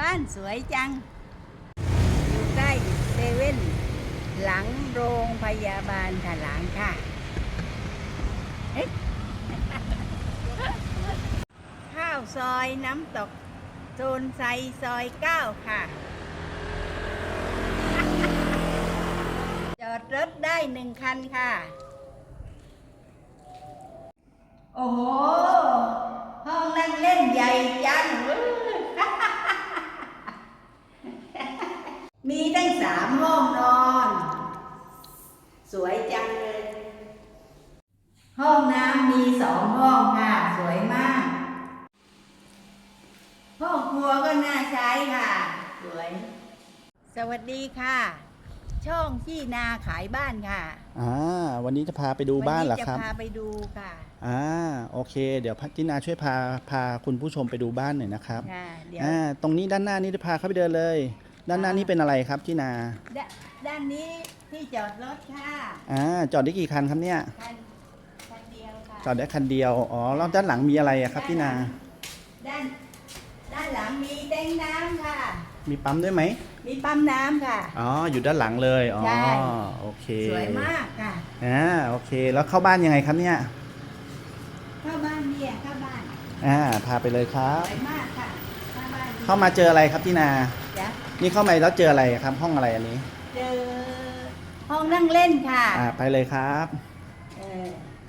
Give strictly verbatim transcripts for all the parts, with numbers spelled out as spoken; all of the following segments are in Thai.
บ้านสวยจังอยู่ใกล้เซเว่นหลังโรงพยาบาลถลางค่ะข้าวซอยน้ำตกโซนไซซอยเก้าค่ะจอดรถได้หนึ่งคันค่ะโอ้โหห้องนั่งเล่นใหญ่จัง มีทั้งสามห้องนอนสวยจังเลยห้องน้ำมีสองห้องค่ะสวยมากห้องครัวก็น่าใช้ค่ะสวยสวัสดีค่ะช่องที่นาขายบ้านค่ะอ่าวันนี้จะพาไปดูบ้านเหรอครับวันนี้จะพาไปดูค่ะอ่าโอเคเดี๋ยวพัทินาช่วยพาพาคุณผู้ชมไปดูบ้านหน่อยนะครับค่ะเดี๋ยวอ่าตรงนี้ด้านหน้านี้จะพาเข้าไปเดินเลย ด้านหน้านี้เป็นอะไรครับที่นาดด้านนี้ที่จอดรถค่ะอ่าจอดได้กี่คันครับเนี่ยคันคันเดียวค่ะจอดได้คันเดียวอ๋อแล้วด้านหลังมีอะไรอะครับที่นาด้านด้านหลังมีแทงน้ำค่ะมีปั๊มด้วยไหมมีปั๊มน้ำค่ะอ๋ออยู่ด้านหลังเลยอ๋อใช่โอเคสวยมากค่ะอ่าโอเคแล้วเข้าบ้านยังไงครับเนี่ยเข้าบ้านเนี่ยเข้าบ้านอ่าพาไปเลยครับสวยมากค่ะเข้าบ้านเข้ามาเจออะไรครับที่นาจ้ะนี่เข้ามาแล้วเจออะไรครับห้องอะไรอันนี้เจอห้องนั่งเล่นค่ะอ่าไปเลยครับเออ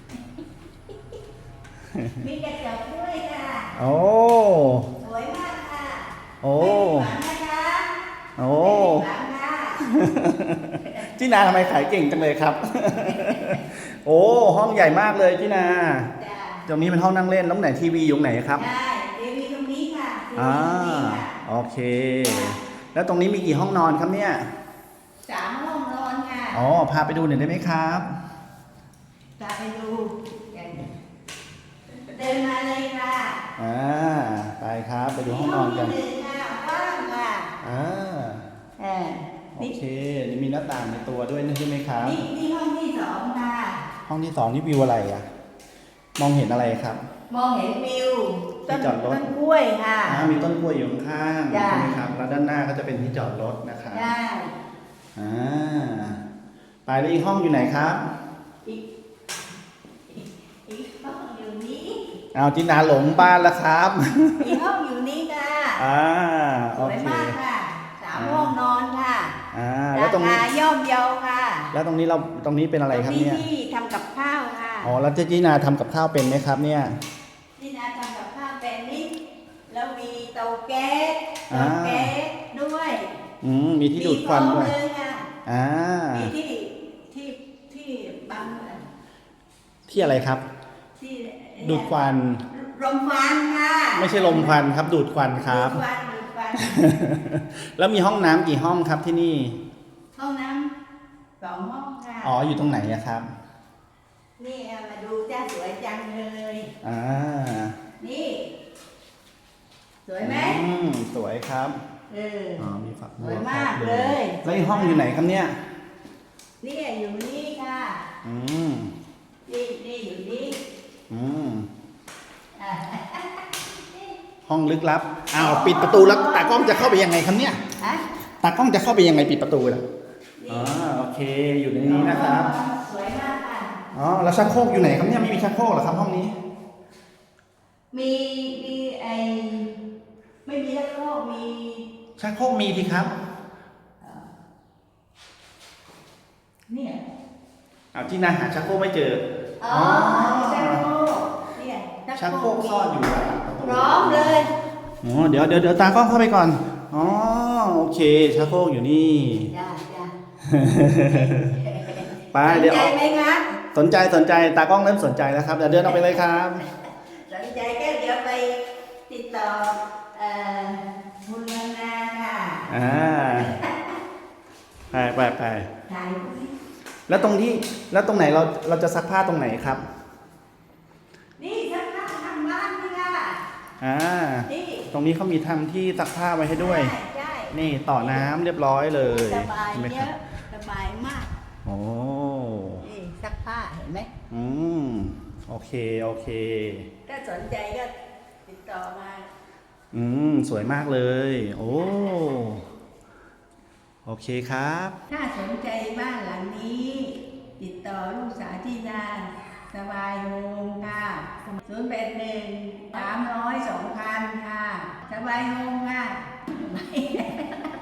มีกระจกด้วยค่ะโอ้สวยมากค่ะโอ้ไม่ผิดหวังนะคะโอ้ไม่ผิดหวังค่ะจีนาทำไมขายเก่งจังเลยครับ โอ้ห้องใหญ่มากเลยจีนาตรงนี้เป็นห้องนั่งเล่นแล้วไหนทีวีอยู่ไหนครับใช่ทีวีตรงนี้ค่ะอ่าโอเคแล้วตรงนี้มีกี่ห้องนอนครับเนี่ยสามห้องนอนค่ะอ๋อพาไปดูหน่อยได้ไหมครับพาไปดูเดินมาเลยค่ะอ่าไปครับไปดูห้องนอนกันห้องที่หนึ่งค่ะว่างค่ะอ่าเออโอเคนี่มีหน้าต่างในตัวด้วยใช่ไหมครับนี่นี่ห้องที่สองค่ะห้องที่สองนี่วิวอะไรอ่ะมองเห็นอะไรครับมองเห็นวิวต้นจอดรถต้นกล้วยค่ะมีต้นกล้วยอยู่ข้างๆใช่ไหมครับแล้วด้านหน้าก็จะเป็นที่จอดรถนะครับใช่อ่าไปแล้วอีกห้องอยู่ไหนครับอีกอีกห้องอยู่นี้เอาจินาหลงบ้านแล้วครับอีกห้องอยู่นี้ค่ะอ่าสวยมากค่ะสามห้องนอนค่ะอ่าแล้วตรงนี้ย่อมเยาค่ะแล้วตรงนี้เราตรงนี้เป็นอะไรครับเนี่ยที่ทำกับข้าวค่ะอ๋อแล้วเจ๊จีนาทำกับข้าวเป็นไหมครับเนี่ยจีนาทำกับข้าวเป็นนี่แล้วมีเตาแก๊สเตาแก๊สด้วยอืมมีที่ดูดควันด้วยอ่ามีที่ที่ที่บังที่อะไรครับที่ดูดควันลมควันค่ะไม่ใช่ลมควันครับดูดควันครับดูดควันดูดควันแล้วมีห้องน้ำกี่ห้องครับที่นี่ห้องน้ำสองห้องค่ะอ๋ออยู่ตรงไหนอะครับนี่มาดูจ้าสวยจังเลยอ่านี่สวยไหมอืมสวยครับเอออ๋อมีฝักบัวสวยมากเลยแล้วห้องอยู่ไหนครับเนี่ยนี่อยู่นี่ค่ะอืมนี่นี่อยู่นี่อืมห้องลึกลับอ้าวปิดประตูแล้วตากล้องจะเข้าไปยังไงครับเนี่ยตากล้องจะเข้าไปยังไงปิดประตูแล้วอ๋อโอเคอยู่ในนี้นะครับสวยมากค่ะอ๋อแล้วชักโครกอยู่ไหนครับเนี่ยไม่มีชักโครกเหรอครับห้องนี้มีมีไอไม่มีชักโครกมีชักโครกมีทีครับเนี่ยเอาที่นาหาชักโครกไม่เจออ๋อชักโครกเนี่ยชักโครกซ่อนอยู่พร้อมเลยอ๋อเดี๋ยวเดี๋ยวเดี๋ยวตากล้องเข้าไปก่อนอ๋อโอเคชักโครกอยู่นี่จ้าจ้าไปเดี๋ยวสนใจไหมครับสนใจสนใจตากล้องเริ่มสนใจแล้วครับเดี๋ยวเดินออกไปเลยครับสนใจก็เดี๋ยวไปติดต่อเอ่อคุณนานาค่ะอ่าไปไปไปถ่ายแล้วตรงที่แล้วตรงไหนเราเราจะซักผ้าตรงไหนครับนี่ซักผ้าทางบ้านนี่ค่ะอ่าตรงนี้เขามีทำที่ซักผ้าไว้ให้ด้วยใช่นี่ต่อน้ำเรียบร้อยเลยสบายเยอะสบายมากโอ้นี่ซักผ้าเห็นไหมอืมโอเคโอเคถ้าสนใจก็ติดต่อมาอืมสวยมากเลย โอ้โอเคครับถ้าสนใจบ้านหลังนี้ ติดต่อลูกสาวที่นาสบายโฮมค่ะศูนย์แปดหนึ่งสามร้อยสองพันค่ะสบายโฮมค่ะ